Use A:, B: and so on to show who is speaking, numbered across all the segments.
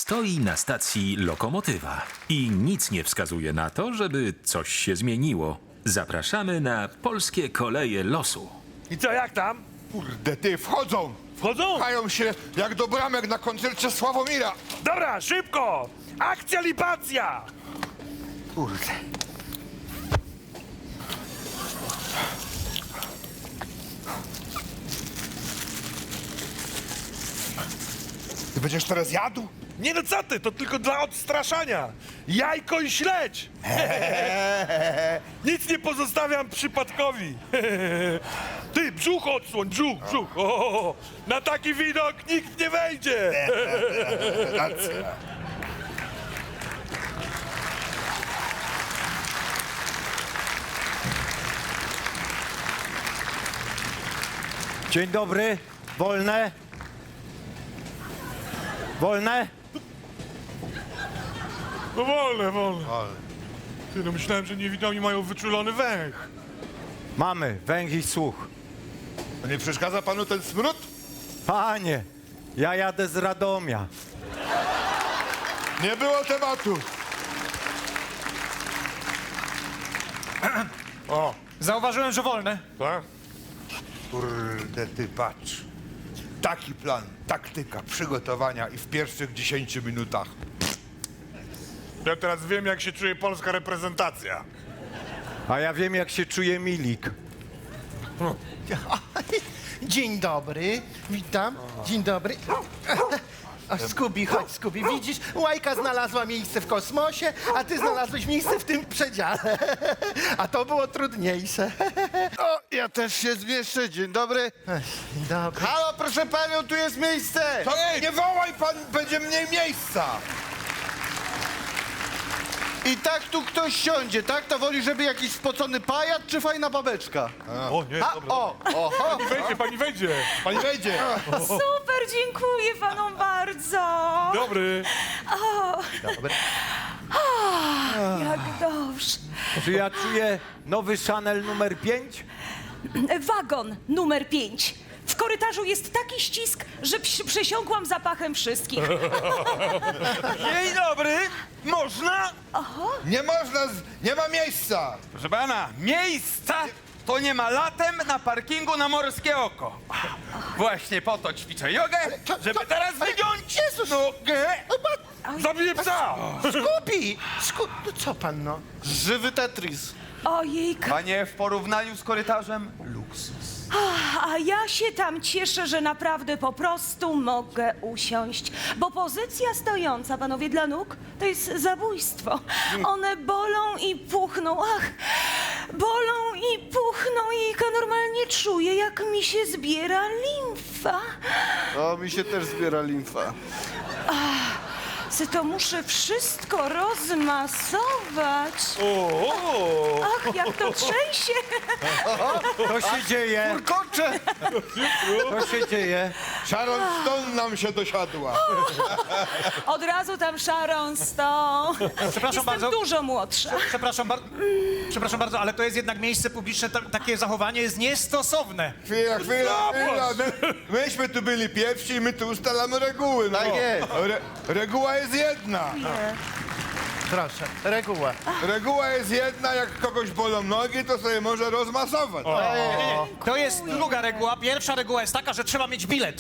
A: Stoi na stacji lokomotywa i nic nie wskazuje na to, żeby coś się zmieniło. Zapraszamy na polskie koleje losu.
B: I co, jak tam?
C: Kurde, ty, wchodzą!
B: Wchodzą?
C: Pchają się jak do bramek na koncercie Sławomira.
B: Dobra, szybko! Akcja libacja!
C: Kurde. Ty będziesz teraz jadł?
B: Nie no co ty, to tylko dla odstraszania. Jajko i śledź! Nic nie pozostawiam przypadkowi. Ty, brzuch odsłoń, brzuch. O, na taki widok nikt nie wejdzie.
C: Racja.
D: Dzień dobry. Wolne? Wolne?
B: No wolne. Ty, no myślałem, że niewidomi mają wyczulony węch.
D: Mamy węch i słuch.
C: A nie przeszkadza panu ten smród?
D: Panie, ja jadę z Radomia.
C: Nie było tematu.
B: O,
E: Zauważyłem, że wolne.
B: tak?
C: Kurde, ty patrz. Taki plan, taktyka przygotowania i w pierwszych 10 minutach.
B: Ja teraz wiem, jak się czuje polska reprezentacja.
D: A ja wiem, jak się czuje Milik.
F: Dzień dobry, witam. Dzień dobry. O, Scooby, chodź, Scooby. Widzisz, Łajka znalazła miejsce w kosmosie, a ty znalazłeś miejsce w tym przedziale. A to było trudniejsze.
G: O, ja też się zmieszczę. Dzień dobry.
F: Dzień dobry.
G: Halo, proszę panią, tu jest miejsce.
C: To nie wołaj pan, będzie mniej miejsca.
G: I tak tu ktoś siądzie, tak? To woli, żeby jakiś spocony pajac czy fajna babeczka?
B: O nie,
G: A,
B: dobra.
G: oho.
B: Pani wejdzie.
C: Pani wejdzie.
H: Super, dziękuję panom bardzo.
B: Dobry.
H: Jak dobrze.
D: Czy ja czuję nowy Chanel numer 5?
H: Wagon numer 5. W korytarzu jest taki ścisk, że przesiąkłam zapachem wszystkich.
I: Dzień dobry, można?
C: Nie można, nie ma miejsca.
I: Proszę pana, miejsca to nie ma latem na parkingu na Morskie Oko. Właśnie po to ćwiczę jogę, żeby teraz wygiąć nogę.
B: Zabiję psa!
F: Scooby! No co pan, no?
G: Żywy Tetris.
H: Ojejka.
I: Panie, w porównaniu z korytarzem luksus.
H: A ja się tam cieszę, że naprawdę po prostu mogę usiąść. Bo pozycja stojąca, panowie, dla nóg, to jest zabójstwo. One bolą i puchną. Ach, bolą i puchną. Jejka, normalnie czuję, jak mi się zbiera limfa.
G: O, mi się też zbiera limfa.
H: To muszę wszystko rozmasować. Ach, jak to trzęsie.
D: Co się dzieje?
G: Kurkocze!
D: Co się dzieje?
C: Sharon Stone nam się dosiadła.
H: Od razu tam Sharon Stone.
E: Przepraszam
H: Jestem
E: bardzo.
H: dużo młodsza.
E: Przepraszam bardzo, ale to jest jednak miejsce publiczne, takie zachowanie jest niestosowne.
C: Chwila. Myśmy tu byli pierwsi i my tu ustalamy reguły. No.
G: Tak jest.
C: Reguła jest jedna.
F: Proszę, reguła.
C: Reguła jest jedna, jak kogoś bolą nogi, to sobie może rozmasować.
E: To jest druga reguła. Pierwsza reguła jest taka, że trzeba mieć bilet.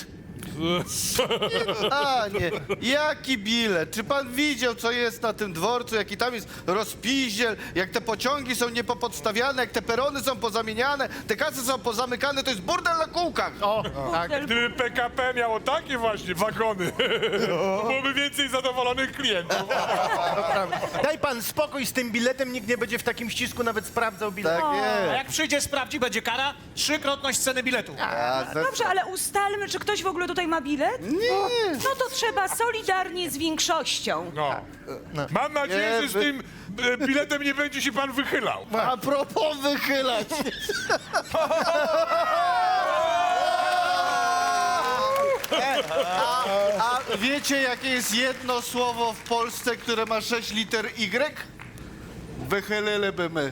G: A, nie. Jaki bilet? Czy pan widział, co jest na tym dworcu? Jaki tam jest rozpiździel? Jak te pociągi są niepopodstawiane, jak te perony są pozamieniane, te kasy są pozamykane, to jest burdel na kółkach.
F: O, tak.
B: Gdyby PKP miało takie właśnie wagony, to byłoby więcej zadowolonych klientów.
F: Daj pan spokój z tym biletem, nikt nie będzie w takim ścisku nawet sprawdzał bilet.
G: Tak
E: A
G: jest.
E: jak przyjdzie, sprawdzi, będzie kara, 3-krotność ceny biletu.
H: Dobrze, ale ustalmy, czy ktoś w ogóle tutaj ma bilet? Nie. No to trzeba solidarnie z większością.
B: No. Mam nadzieję,
G: Nie,
B: że z tym biletem nie będzie się pan wychylał.
G: A propos wychylać. A wiecie, jakie jest jedno słowo w Polsce, które ma 6 liter Y? Wychyliliby my.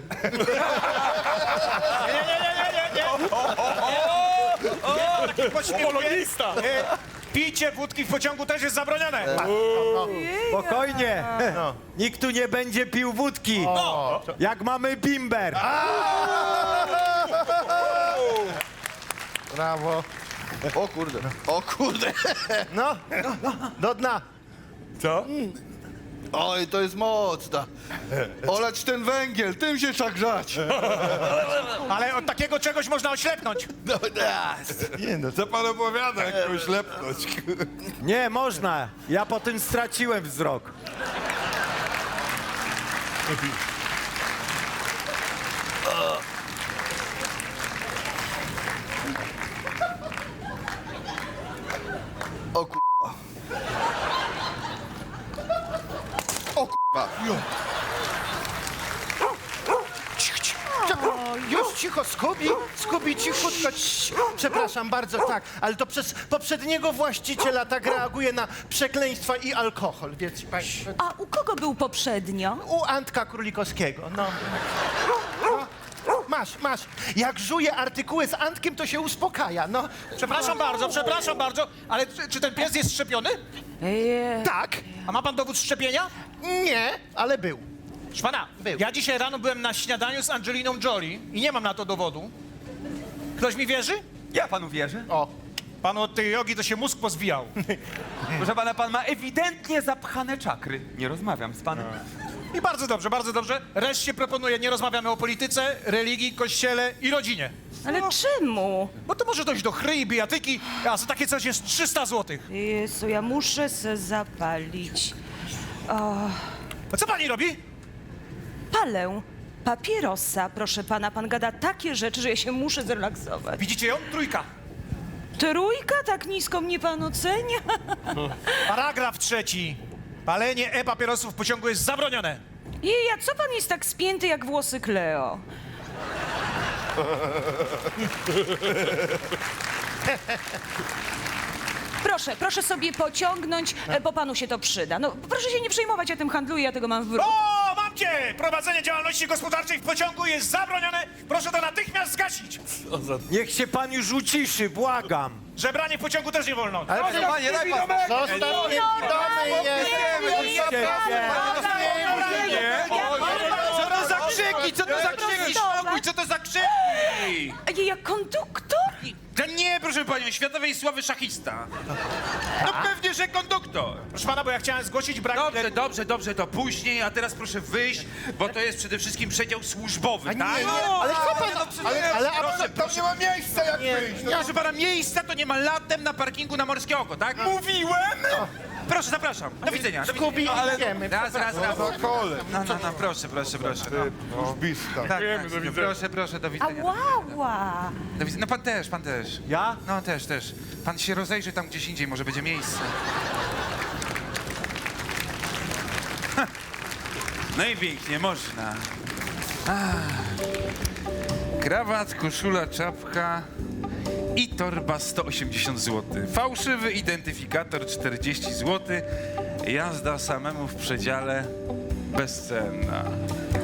E: Taki pośmiech.
B: Polonista!
E: picie wódki w pociągu też jest zabronione.
D: Spokojnie. Nikt tu nie będzie pił wódki. Jak mamy bimber.
F: Brawo.
G: O kurde, o kurde.
F: No, do dna.
G: Oj, to jest mocna. Oleć ten węgiel, tym się trzeba grzać.
E: Ale od takiego czegoś można oślepnąć.
C: Nie no, co pan opowiada, jakąś lepność?
D: Nie, można. Ja po tym straciłem wzrok.
G: O kurwa. O kurwa.
F: Już cicho, Skubi, cichutko. Przepraszam bardzo, tak, ale to przez poprzedniego właściciela tak reaguje na przekleństwa i alkohol, wiecie państwo.
H: A u kogo był poprzednio?
F: U Antka Królikowskiego, no. Masz. Jak żuje artykuły z Antkiem, to się uspokaja, no.
E: Przepraszam bardzo, ale czy ten pies jest szczepiony?
F: Tak,
E: A ma pan dowód szczepienia?
F: nie, ale był.
E: Proszę pana,
F: Był.
E: ja dzisiaj rano byłem na śniadaniu z Angeliną Jolie i nie mam na to dowodu. Ktoś mi wierzy?
I: Ja panu wierzę.
E: Panu od tej jogi to się mózg pozwijał.
I: Proszę pana, pan ma ewidentnie zapchane czakry. Nie rozmawiam z panem.
E: I bardzo dobrze, bardzo dobrze. Reszcie proponuję, nie rozmawiamy o polityce, religii, kościele i rodzinie.
H: Ale czemu?
E: Bo to może dojść do chry i bijatyki, a za takie coś jest 300 zł.
H: Jezu, ja muszę se zapalić.
E: A co pani robi?
H: Palę papierosa, proszę pana. Pan gada takie rzeczy, że ja się muszę zrelaksować.
E: Widzicie ją? Trójka.
H: Trójka? Tak nisko mnie pan ocenia?
E: Paragraf 3. Palenie e-papierosów w pociągu jest zabronione.
H: Jej, a co pan jest tak spięty jak włosy Kleo? Proszę sobie pociągnąć, bo panu się to przyda. No, proszę się nie przejmować, ja tym handluję, ja tego mam w bruku.
E: O, mam cię! Prowadzenie działalności gospodarczej w pociągu jest zabronione. Proszę to natychmiast zgasić.
D: Niech się pan już uciszy, błagam.
E: Żebranie w pociągu też nie wolno.
F: Ale
I: Proszę panie, daj pan.
F: zostaw mnie, domy jest.
I: Co to za krzyki? Co to za krzyki? Spokój, co to za krzyki?
H: Ej, jak konduktor?
J: To nie, proszę panią, światowej sławy szachista. No pewnie, że konduktor.
E: Proszę pana, bo ja chciałem zgłosić brak
J: Dobrze, to później, a teraz proszę wyjść, bo to jest przede wszystkim przedział służbowy, tak?
F: Ale co pan, ale
C: Tam nie ma miejsca, jak wyjść.
J: Proszę pana, miejsca to nie ma latem na parkingu na Morskie Oko, tak? Mówiłem! Proszę, zapraszam. Do widzenia.
F: Skubi, idziemy.
J: Raz.
C: Na kole.
J: No, proszę.
C: Wróżbista.
J: Tak, proszę, do widzenia.
H: Ała!
J: Do widzenia. No pan też.
D: Ja?
J: No też. Pan się rozejrzy tam gdzieś indziej, może będzie miejsce. Ha. No i pięknie, można. Krawat, koszula, czapka i torba 180 zł. Fałszywy identyfikator 40 zł. Jazda samemu w przedziale bezcenna.